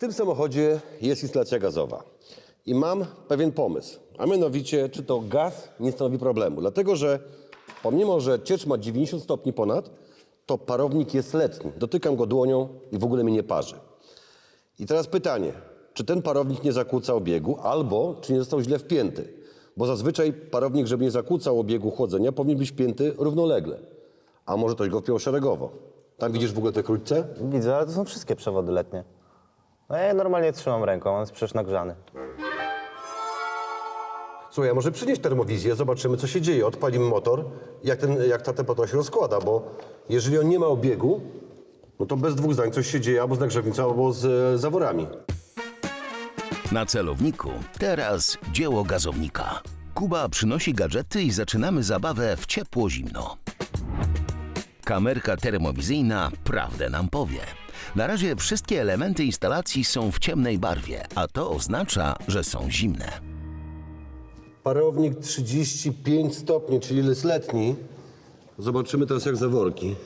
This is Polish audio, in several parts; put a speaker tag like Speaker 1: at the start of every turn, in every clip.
Speaker 1: tym samochodzie jest instalacja gazowa i mam pewien pomysł, a mianowicie, czy to gaz nie stanowi problemu. Dlatego, że pomimo, że ciecz ma 90 stopni ponad, to parownik jest letni. Dotykam go dłonią i w ogóle mnie nie parzy. I teraz pytanie, czy ten parownik nie zakłóca obiegu, albo czy nie został źle wpięty? Bo zazwyczaj parownik, żeby nie zakłócał obiegu chłodzenia, powinien być wpięty równolegle. A może ktoś go wpiął szeregowo. Tam widzisz w ogóle te krótce?
Speaker 2: Widzę, ale to są wszystkie przewody letnie. No ja je normalnie trzymam ręką, on jest przecież nagrzany.
Speaker 1: Słuchaj, a może przynieść termowizję, zobaczymy, co się dzieje. Odpalimy motor, jak ta temperatura się rozkłada, bo jeżeli on nie ma obiegu, no to bez dwóch zdań coś się dzieje albo z nagrzewnicą, albo z zaworami.
Speaker 3: Na celowniku teraz dzieło gazownika. Kuba przynosi gadżety i zaczynamy zabawę w ciepło-zimno. Kamerka termowizyjna prawdę nam powie. Na razie wszystkie elementy instalacji są w ciemnej barwie, a to oznacza, że są zimne.
Speaker 1: Parownik 35 stopni, czyli jest letni. Zobaczymy teraz jak zaworki.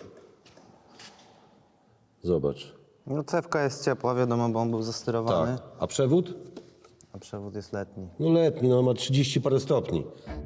Speaker 1: Zobacz.
Speaker 2: No cewka jest ciepła, wiadomo, bo on był zastyrowany.
Speaker 1: Tak. A przewód?
Speaker 2: A przewód jest letni.
Speaker 1: No letni, no ma 30 parę stopni.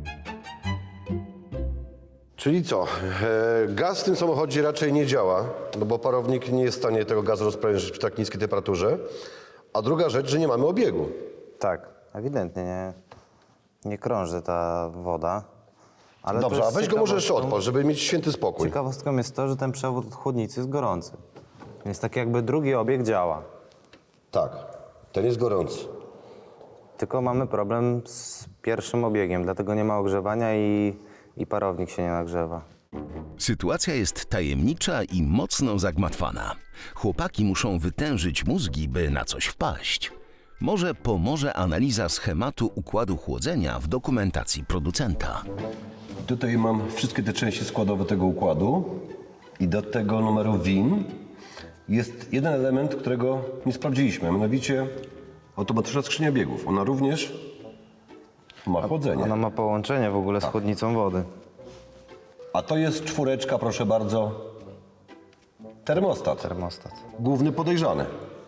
Speaker 1: Czyli co? Gaz w tym samochodzie raczej nie działa, no bo parownik nie jest w stanie tego gazu rozprężyć przy tak niskiej temperaturze. A druga rzecz, że nie mamy obiegu.
Speaker 2: Tak, ewidentnie nie krąży ta woda. Ale
Speaker 1: Dobrze,
Speaker 2: też
Speaker 1: a weź go może jeszcze
Speaker 2: ciekawostką-
Speaker 1: odpal, żeby mieć święty spokój.
Speaker 2: Ciekawostką jest to, że ten przewód od chłodnicy jest gorący. Więc tak jakby drugi obieg działa.
Speaker 1: Tak, ten jest gorący.
Speaker 2: Tylko mamy problem z pierwszym obiegiem, dlatego nie ma ogrzewania i parownik się nie nagrzewa.
Speaker 3: Sytuacja jest tajemnicza i mocno zagmatwana. Chłopaki muszą wytężyć mózgi, by na coś wpaść. Może pomoże analiza schematu układu chłodzenia w dokumentacji producenta.
Speaker 1: Tutaj mam wszystkie te części składowe tego układu i do tego numeru WIN jest jeden element, którego nie sprawdziliśmy, a mianowicie automatyczna skrzynia biegów. Ona również ma chłodzenie.
Speaker 2: Ona ma połączenie w ogóle z chłodnicą wody.
Speaker 1: A to jest czwóreczka, proszę bardzo, termostat.
Speaker 2: Termostat.
Speaker 1: Główny podejrzany.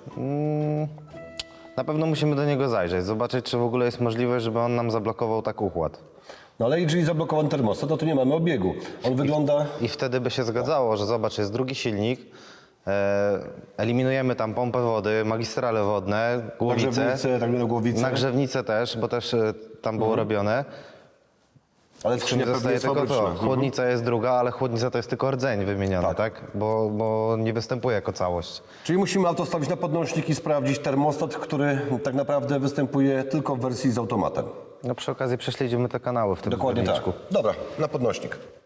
Speaker 2: Na pewno musimy do niego zajrzeć, zobaczyć, czy w ogóle jest możliwość, żeby on nam zablokował tak układ.
Speaker 1: No ale jeżeli zablokowany termostat, to tu nie mamy obiegu. On wygląda...
Speaker 2: I wtedy by się zgadzało, że zobacz, jest drugi silnik, eliminujemy tam pompę wody, magistrale wodne, głowicę,
Speaker 1: Nagrzewnicę, tak na głowicę.
Speaker 2: nagrzewnicę też, bo też tam było robione.
Speaker 1: Ale
Speaker 2: Nie
Speaker 1: skrzynia pewnie
Speaker 2: zostaje
Speaker 1: jest
Speaker 2: tylko
Speaker 1: fabryczna.
Speaker 2: to. Chłodnica jest druga, ale chłodnica to jest tylko rdzeń wymieniony, tak? Bo nie występuje jako całość.
Speaker 1: Czyli musimy auto stawić na podnośnik i sprawdzić termostat, który tak naprawdę występuje tylko w wersji z automatem.
Speaker 2: No przy okazji prześledzimy te kanały w tym
Speaker 1: Dokładnie tak.
Speaker 2: zbiorniczku.
Speaker 1: Dobra, na podnośnik.